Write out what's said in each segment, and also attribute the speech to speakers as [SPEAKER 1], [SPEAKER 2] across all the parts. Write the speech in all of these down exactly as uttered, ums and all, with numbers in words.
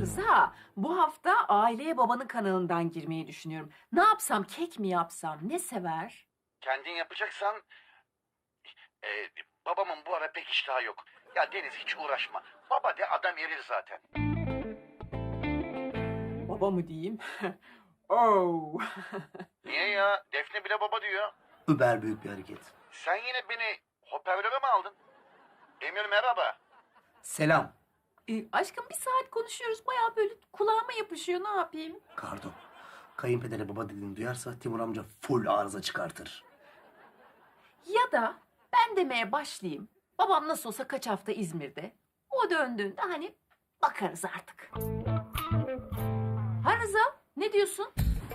[SPEAKER 1] Rıza, bu hafta aileye babanın kanalından girmeyi düşünüyorum. Ne yapsam, kek mi yapsam, ne sever?
[SPEAKER 2] Kendin yapacaksan... E, babamın bu ara pek iştahı yok. Ya Deniz hiç uğraşma. Baba de adam erir zaten.
[SPEAKER 1] Baba mı diyeyim? Oh.
[SPEAKER 2] Niye ya? Defne bile baba diyor.
[SPEAKER 3] Über büyük bir hareket.
[SPEAKER 2] Sen yine beni hoparlöre mi aldın? Emir merhaba.
[SPEAKER 3] Selam.
[SPEAKER 1] E, aşkım bir saat konuşuyoruz, bayağı böyle kulağıma yapışıyor, ne yapayım?
[SPEAKER 3] Kardo. Kayınpedere baba dediğini duyarsa Timur amca full arıza çıkartır.
[SPEAKER 1] Ya da ben demeye başlayayım. Babam nasıl olsa kaç hafta İzmir'de. O döndüğünde hani bakarız artık. Ha Rıza, ne diyorsun?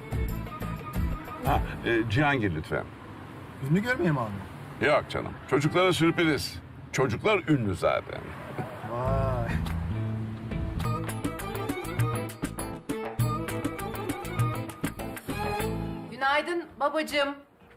[SPEAKER 4] Ha, e, Cihangir lütfen.
[SPEAKER 5] Ünlü görmeye mi abi?
[SPEAKER 4] Yok canım. Çocuklara sürpriz. Çocuklar ünlü zaten.
[SPEAKER 5] Vay.
[SPEAKER 1] Günaydın babacığım.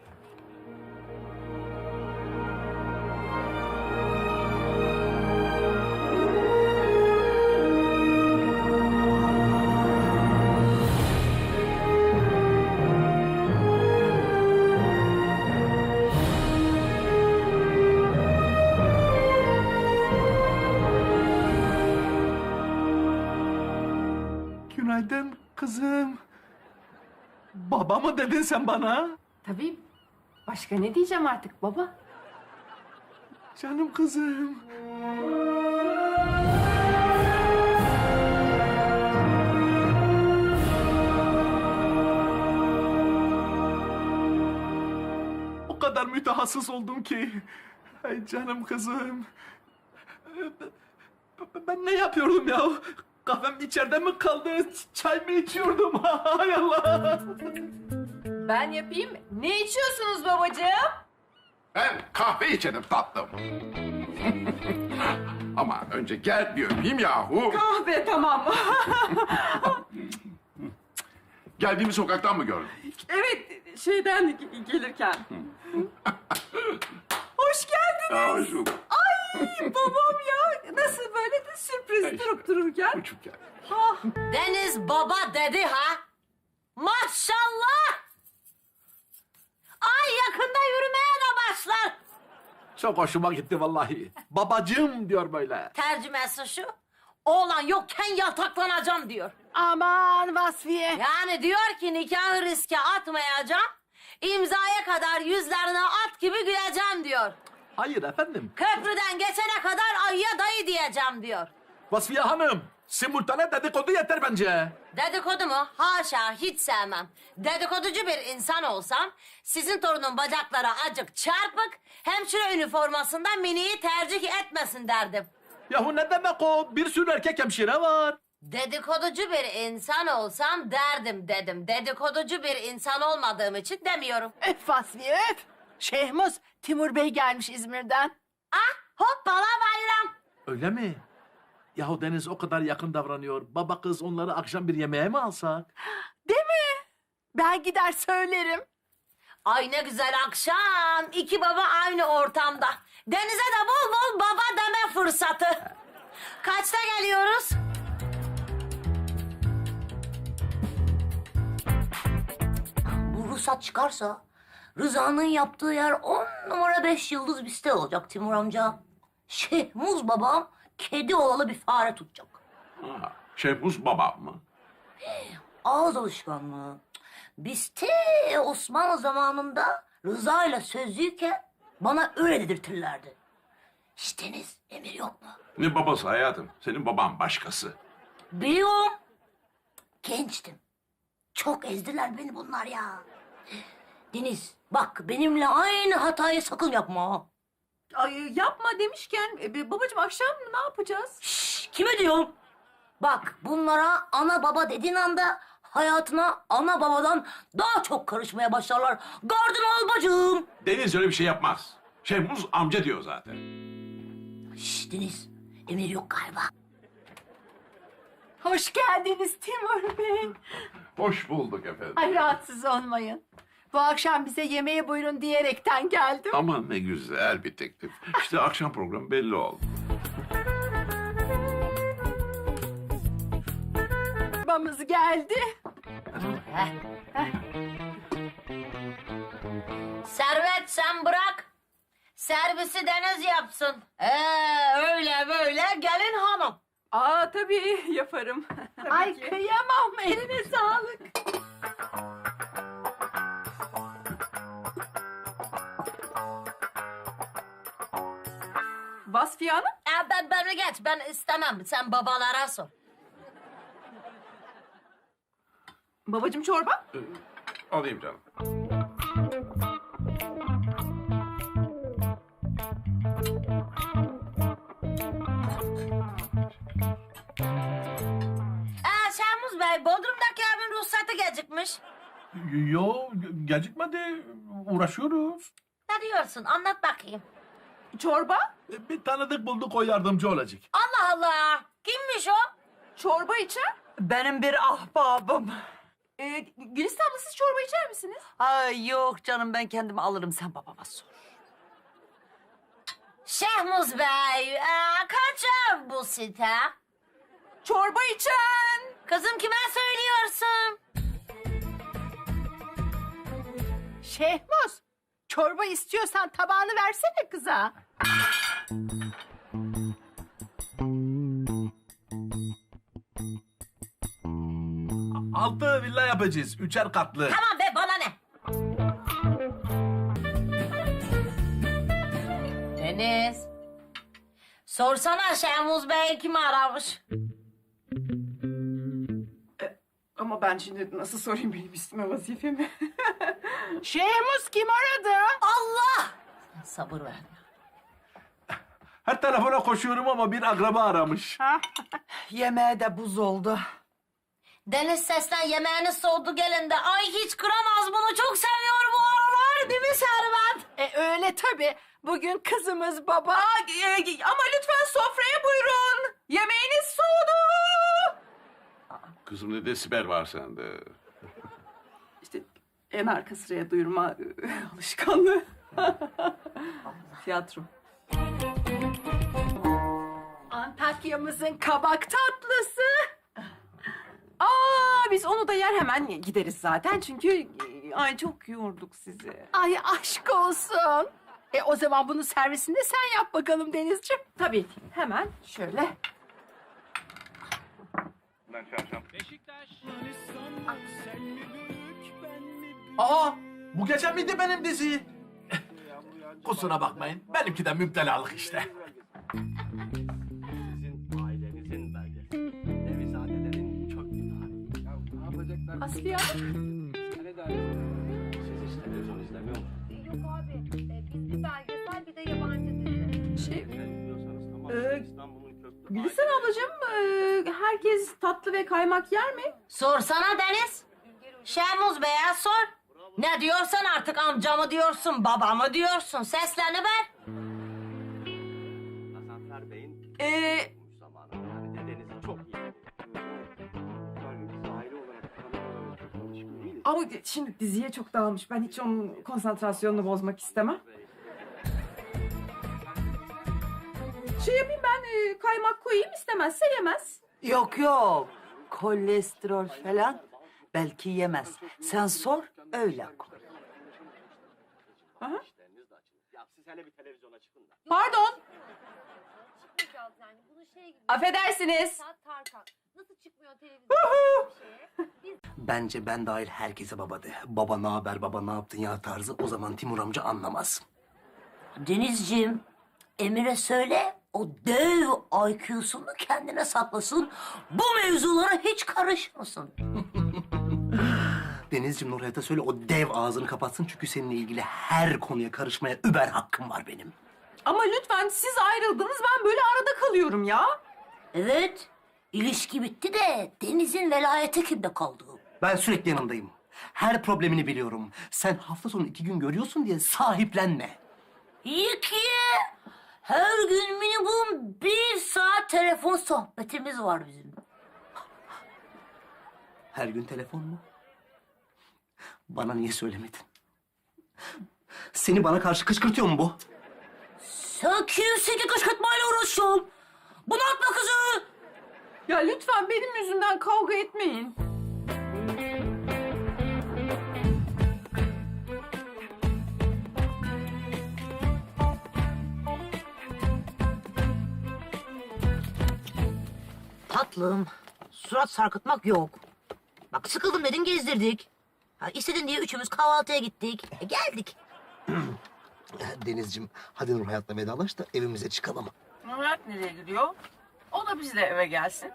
[SPEAKER 5] Günaydın kızım. Baba mı dedin sen bana?
[SPEAKER 1] Tabii. Başka ne diyeceğim artık baba?
[SPEAKER 5] Canım kızım. O kadar mütehassıs oldum ki. Ay canım kızım. Ben ne yapıyordum ya? Kahvem içeride mi kaldı? Çay mı içiyordum? Hay Allah!
[SPEAKER 1] Ben yapayım. Ne içiyorsunuz babacığım?
[SPEAKER 4] Ben kahve içerim tatlım. Ama önce gel bir öpeyim yahu.
[SPEAKER 1] Kahve tamam.
[SPEAKER 4] Geldiğimi sokaktan mı gördün?
[SPEAKER 1] Evet, şeyden gelirken. Hoş geldin.
[SPEAKER 4] Ya hoş bulduk.
[SPEAKER 1] Babam ya. Nasıl böyle de sürpriz
[SPEAKER 4] İşte,
[SPEAKER 1] durup dururken.
[SPEAKER 4] Uçup gel.
[SPEAKER 6] Deniz baba dedi ha. Maşallah. Ay yakında yürümeye de başlar.
[SPEAKER 5] Çok hoşuma gitti vallahi. Babacığım diyor böyle.
[SPEAKER 6] Tercümesi şu. Oğlan yokken yataklanacağım diyor.
[SPEAKER 7] Aman Vasfiye.
[SPEAKER 6] Yani diyor ki nikahı riske atmayacağım. İmzaya kadar yüzlerine at gibi güleceğim diyor.
[SPEAKER 5] Hayır efendim.
[SPEAKER 6] Köprüden geçene kadar ayıya dayı diyeceğim diyor.
[SPEAKER 5] Vasfiye Hanım, simultane dedikodu yeter bence.
[SPEAKER 6] Dedikodu mu? Haşa hiç sevmem. Dedikoducu bir insan olsam sizin torunun bacakları acık çarpık, hemşire üniformasında miniyi tercih etmesin derdim.
[SPEAKER 5] Yahu ne demek o? Bir sürü erkek hemşire var.
[SPEAKER 6] Dedikoducu bir insan olsam derdim dedim. Dedikoducu bir insan olmadığım için demiyorum.
[SPEAKER 7] Öf Vasfiye öf. Şehmuz, Timur Bey gelmiş İzmir'den.
[SPEAKER 6] Ah hoppala bayram.
[SPEAKER 5] Öyle mi? Yahu Deniz o kadar yakın davranıyor. Baba kız onları akşam bir yemeğe mi alsak?
[SPEAKER 7] Değil mi? Ben gider söylerim.
[SPEAKER 6] Ay ne güzel akşam. İki baba aynı ortamda. Denize de bol bol baba deme fırsatı. Kaçta geliyoruz? Bu ruhsat çıkarsa Rıza'nın yaptığı yer on numara beş yıldız bir site olacak Timur amca. Şehmuz babam kedi olalı bir fare tutacak.
[SPEAKER 4] Ha, Şehmuz babam mı?
[SPEAKER 6] Ağız alışkanlığı. Biz te Osmanlı zamanında Rıza ile sözlüyken bana öyle dedirtirlerdi. Hiç Deniz, Emir yok mu?
[SPEAKER 4] Ne babası hayatım? Senin baban başkası.
[SPEAKER 6] Biliyorum. Gençtim. Çok ezdiler beni bunlar ya. Deniz, bak benimle aynı hatayı sakın yapma. ha.
[SPEAKER 1] Ay, yapma demişken e, babacığım akşam ne yapacağız?
[SPEAKER 6] Şşş, kime diyorum? Bak bunlara ana baba dediğin anda hayatına ana babadan daha çok karışmaya başlarlar. Gardın ol bacım.
[SPEAKER 4] Deniz öyle bir şey yapmaz. Şehmuz amca diyor zaten.
[SPEAKER 6] Şşş Deniz, Emir yok galiba.
[SPEAKER 7] Hoş geldiniz Timur Bey.
[SPEAKER 4] Hoş bulduk efendim.
[SPEAKER 7] Ay rahatsız olmayın. Bu akşam bize yemeğe buyurun diyerekten geldim.
[SPEAKER 4] Aman ne güzel bir teklif. İşte akşam programı belli oldu.
[SPEAKER 7] çorbamız geldi.
[SPEAKER 6] Servet sen bırak. Servisi Deniz yapsın. Ee, öyle böyle gelin hanım.
[SPEAKER 7] Aa tabii yaparım. Ay kıyamam, eline sağlık. Vasfiye Hanım?
[SPEAKER 6] Ee, ben beni geç ben istemem. Sen babalara sor.
[SPEAKER 7] Babacığım çorba?
[SPEAKER 4] Alayım canım.
[SPEAKER 6] Ee, Şahmuz Bey, Bodrum'daki evin ruhsatı gecikmiş.
[SPEAKER 5] Yo, gecikmedi. Uğraşıyoruz.
[SPEAKER 6] Ne diyorsun? Anlat bakayım.
[SPEAKER 7] Çorba?
[SPEAKER 5] Bir tanıdık bulduk, o yardımcı olacak.
[SPEAKER 6] Allah Allah! Kimmiş o?
[SPEAKER 7] Çorba içer.
[SPEAKER 8] Benim bir ahbabım.
[SPEAKER 7] Ee, Gülistan abla siz çorba içer misiniz?
[SPEAKER 8] Ay yok canım, ben kendim alırım, sen babama sor.
[SPEAKER 6] Şahmuz Bey, ee, kaç ev bu site?
[SPEAKER 7] Çorba içen.
[SPEAKER 6] Kızım kime söylüyorsun?
[SPEAKER 7] Şehmuz, çorba istiyorsan tabağını versene kıza.
[SPEAKER 5] Altı villa yapacağız, üçer katlı.
[SPEAKER 6] Tamam be, bana ne? Deniz. Sorsana Şahmuz Bey kimi aramış?
[SPEAKER 7] Ama ben şimdi nasıl sorayım benim üstüme vazifemi? Şehmuz kim aradı?
[SPEAKER 6] Allah! Sabır ver.
[SPEAKER 5] Her telefona koşuyorum ama bir akraba aramış.
[SPEAKER 8] Yemeğe de buz oldu.
[SPEAKER 6] Deniz sesten yemeğini soğudu gelin de. Ay hiç kıramaz bunu, çok seviyor bu aralar değil mi Servet?
[SPEAKER 7] E öyle tabii. Bugün kızımız baba. e, ama lütfen sofraya buyurun. Yemeğiniz soğudu.
[SPEAKER 4] Kızım ne desibel var sende?
[SPEAKER 7] İşte en arka sıraya duyurma e, alışkanlığı. Tiyatro. Antakya'mızın kabak tatlısı. Aa, biz onu da yer hemen gideriz zaten çünkü e, ay çok yorduk sizi. Ay aşk olsun. E o zaman bunu servisinde sen yap bakalım Denizciğim. Tabii ki. Hemen şöyle.
[SPEAKER 5] Aa, bu gece miydi benim dizi? Kusura bakmayın, benimki de müptelalık işte.
[SPEAKER 3] Ailenizin belgesi. Nevizadelerin çok tarihi.
[SPEAKER 7] Asfiye Hanım.
[SPEAKER 3] Siz hiç televizyon izlemiyor musunuz?
[SPEAKER 9] Yok abi, e, biz bir belgesel bir de yabancı dizi.
[SPEAKER 7] Şey,
[SPEAKER 3] Bilmiyorsanız tamam.
[SPEAKER 7] Ee,
[SPEAKER 3] İstanbul'un köklü...
[SPEAKER 7] Gülistan ablacığım, e, herkes tatlı ve kaymak yer mi?
[SPEAKER 6] Sorsana Deniz. Şahmuz Bey'e sor. Ne diyorsan artık, amcamı diyorsun, babamı diyorsun. Seslerini ver.
[SPEAKER 3] Gazanfer Bey'in
[SPEAKER 7] Ee,
[SPEAKER 3] bulmuş zamanında. Yani dedenizi çok iyi. Yani biz aile olarak tanımadan çok alışkın değiliz.
[SPEAKER 7] ama şimdi diziye çok dağılmış. Ben hiç onun konsantrasyonunu bozmak istemem. Şey yapayım ben, e, kaymak koyayım, istemezse yemez.
[SPEAKER 8] Yok yok, kolesterol falan belki yemez. Sen sor, öyle koy.
[SPEAKER 7] Aha.
[SPEAKER 3] İşleriniz de açılır. Ya siz hele bir televizyona çıkın da.
[SPEAKER 7] Pardon,
[SPEAKER 9] Çıkmayacağız yani. Bunun şey gibi.
[SPEAKER 7] affedersiniz.
[SPEAKER 9] Saat Tarkan. Nasıl çıkmıyor televizyonda bir şeye?
[SPEAKER 3] Bence ben dahil herkese baba de. Baba ne haber, baba ne yaptın ya tarzı. O zaman Timur amca anlamaz.
[SPEAKER 6] Denizciğim, Emir'e söyle o dev I Q'sunu kendine saklasın. Bu mevzulara hiç karışmasın.
[SPEAKER 3] Denizciğim Nurhayat'a söyle o dev ağzını kapatsın. Çünkü seninle ilgili her konuya karışmaya über hakkım var benim.
[SPEAKER 7] Ama lütfen, siz ayrıldınız, ben böyle arada kalıyorum ya.
[SPEAKER 6] Evet, ilişki bitti de Deniz'in velayeti kimde kaldı?
[SPEAKER 3] Ben sürekli yanındayım. Her problemini biliyorum. Sen hafta sonu iki gün görüyorsun diye sahiplenme.
[SPEAKER 6] İyi ki her gün minimum bir saat telefon sohbetimiz var bizim.
[SPEAKER 3] Her gün telefon mu? Bana niye söylemedin? Seni bana karşı kışkırtıyor mu bu?
[SPEAKER 6] Sen kimsin ki kışkırtmayla uğraşıyorsun? Bunaltma kızı.
[SPEAKER 7] Ya lütfen benim yüzümden kavga etmeyin.
[SPEAKER 6] Tatlım, surat sarkıtmak yok. Bak sıkıldım dedin gezdirdik. Ha, istedin diye üçümüz kahvaltıya gittik. E, geldik.
[SPEAKER 3] Denizciğim, hadi Nur Hayat'la vedalaş da evimize çıkalım.
[SPEAKER 7] Murat nereye gidiyor? O da bizle eve gelsin.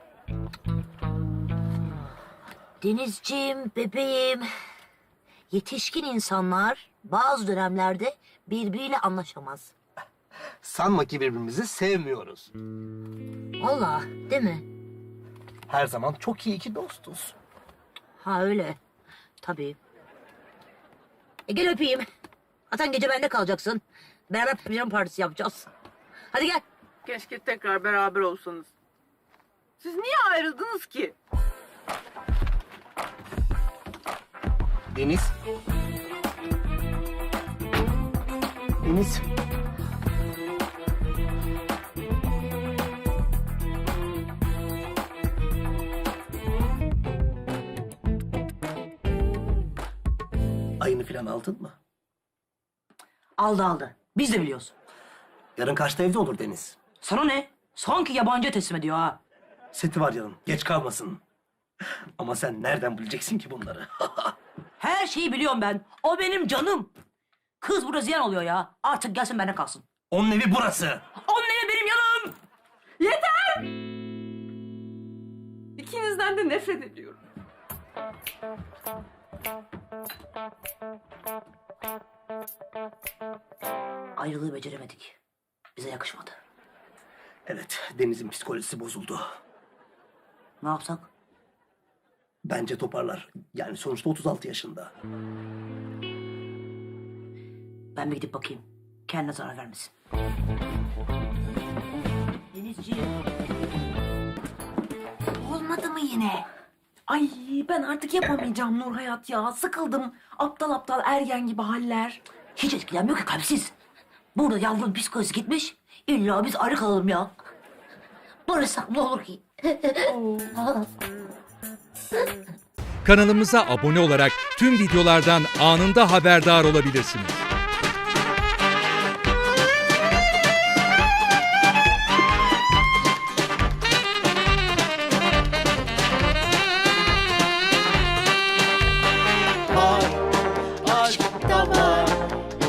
[SPEAKER 6] Denizciğim, bebeğim. Yetişkin insanlar bazı dönemlerde birbiriyle anlaşamaz.
[SPEAKER 3] Sanma ki birbirimizi sevmiyoruz.
[SPEAKER 6] Vallahi değil mi?
[SPEAKER 3] Her zaman çok iyi ki dostuz.
[SPEAKER 6] Ha öyle. Tabii. E gel öpeyim. Zaten gece bende kalacaksın. Beraber pijama partisi yapacağız. Hadi gel.
[SPEAKER 7] Keşke tekrar beraber olsanız. Siz niye ayrıldınız ki?
[SPEAKER 3] Deniz. Deniz. Ayını falan aldın mı?
[SPEAKER 6] Aldı aldı. Biz de biliyoruz.
[SPEAKER 3] Yarın kaçta evde olur Deniz?
[SPEAKER 6] Sana ne? Sanki yabancı teslim ediyor ha.
[SPEAKER 3] Seti var yarın. Geç kalmasın. Ama sen nereden bileceksin ki bunları?
[SPEAKER 6] Her şeyi biliyorum ben. O benim canım. Kız burada ziyan oluyor ya. Artık gelsin bende kalsın.
[SPEAKER 3] Onun evi burası.
[SPEAKER 6] Onun evi benim yanım.
[SPEAKER 7] Yeter! İkinizden de nefret ediyorum.
[SPEAKER 6] Ayrılığı beceremedik. Bize yakışmadı.
[SPEAKER 3] Evet, Deniz'in psikolojisi bozuldu.
[SPEAKER 6] Ne yapsak?
[SPEAKER 3] Bence toparlar. Yani sonuçta otuz altı yaşında.
[SPEAKER 6] Ben bir gidip bakayım. Kendine zarar vermesin. Denizciğim.
[SPEAKER 1] Olmadı mı yine? Ay ben artık yapamayacağım Nur Hayat ya. Sıkıldım. Aptal aptal ergen gibi haller.
[SPEAKER 6] Hiç etkilenmiyor ki kalpsiz. Burada yavrunun psikolojisi gitmiş. İlla biz ayrı kalalım ya. Barışsak ne olur ki?
[SPEAKER 10] Kanalımıza abone olarak tüm videolardan anında haberdar olabilirsiniz.